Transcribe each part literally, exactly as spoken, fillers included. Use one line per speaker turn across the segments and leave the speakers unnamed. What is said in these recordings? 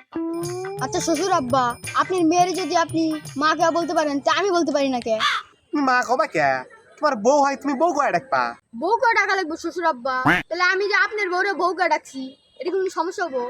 আচ্ছা শ্বশুর আব্বা, আপনার মেয়ের যদি আপনি মা কে বলতে পারেন তা আমি বলতে পারি না কে?
তুমি মা কবা কে? তোমার বউ হয়, তুমি বউ কয়ে ডাকবা।
বউ কে ডাকা লাগবো শ্বশুর আব্বা? তাহলে আমি যে আপনার বউরে বউ কে ডাকছি, এটা কোনো সমস্যা হবো?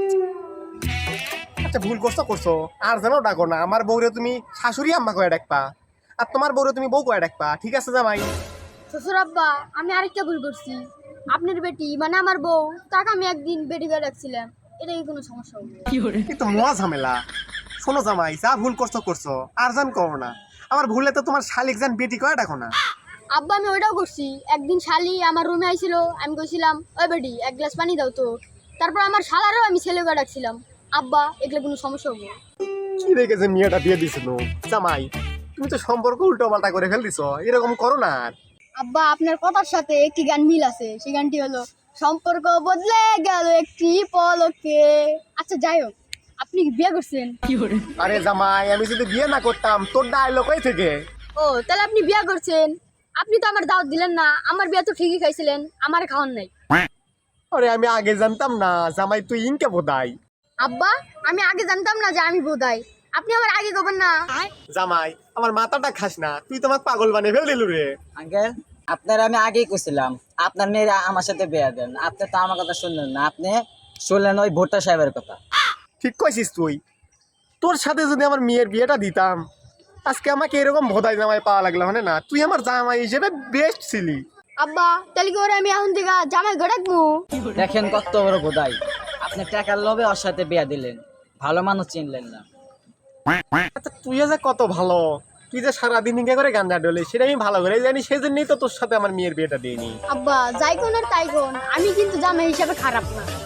আচ্ছা ভুল করছো করছো, আর যেন ডাকো না। আমার বউরে তুমি শাশুড়ি আম্মা কয়ে ডাকবা, আর তোমার বউরে তুমি বউ কয়ে ডাকবা। ঠিক আছে জামাই?
শ্বশুর আব্বা, আমি আরেকটা ভুল করছি। আপনার বেটি মানে আমার বউ, তাকে আমি একদিন বেটি করে ডাকছিলাম, এটা কি কোনো সমস্যা হবে?
কিন্তু মহা ঝামেলা। শোনো জামাই, যা ভুল করছো করছো, আর জান করো না। আমার ভুলে তো তোমার শালিক জান বেটি কয়ে ডাকো না।
আব্বা আমি ওইটাও করছি। একদিন শালি আমার রুমে আইছিল, আমি কইছিলাম ওই বেটি এক গ্লাস পানি দাও তো। তারপর আমার শালারও আমি ছেলে করে ডাকছিলাম। আব্বা এগুলো কোনো সমস্যা হবে?
কি রেখেছে মেয়েটা বিয়ে দিছিল জামাই? তুমি তো সম্পর্ক উল্টো পাল্টা করে ফেল দিছো, এরকম করো না আর।
আব্বা আপনার কথার সাথে একটি গান মিল আছে, সেই গানটি হলো সম্পর্ক বদলে গেল একটি পলকে। আচ্ছা যাই হোক, আপনি কি বিয়ে করছেন?
আরে জামাই, আমি যদি বিয়ে না করতাম তোর ডায়লগ কই থেকে?
ও তাহলে আপনি বিয়ে করছেন। আপনি তো আমার দাওয়াত দিলেন না, আমার বিয়ে তো ঠিকই খাইছিলেন, আমার খাওয়ান নাই।
আরে আমি আগে জানতাম না জামাই তুই ইনকে বোধাই।
আব্বা আমি আগে জানতাম না যে আমি বোধাই, আপনি আমার আগে করবেন না।
জামাই আমার মাথাটা খাস না, তুই তোমাকে পাগল বানিয়ে ফেল দিলু রে।
আঙ্কেল, আপনার আমি আগেই কইছিলাম আপনার মেয়ের আমার সাথে বিয়ে দেন। আপনি তো আমার কথা শুনলেন না, আপনি শুনলেন ওই ভুট্টা সাহেবের কথা।
ঠিক কইছিস তুই। তোর সাথে যদি আমার মেয়ের বিয়েটা দিতাম, আজকে আমাকে এরকম ভোদাই জামাই পাওয়া লাগলো মানে না। তুই আমার জামাই হিসেবে বেস্ট ছিলি।
আব্বা তাহলে কি ওরে আমি এখন থেকে জামাই ঘটাকবো?
দেখেন কত বড় বোধাই, আপনি টাকার লোভে ওর সাথে বিয়ে দিলেন, ভালো মানুষ চিনলেন না।
আচ্ছা তুই যে কত ভালো, তুই যে সারাদিন ইঙ্গে করে গাঞ্জা ডলে সেটা আমি ভালো করে জানি, সেই জন্যই তো তোর সাথে আমার মেয়ের বিয়েটা দিইনি।
আব্বা যাই কোন আর তাই কোন, আমি কিন্তু জামাই হিসাবে খারাপ না।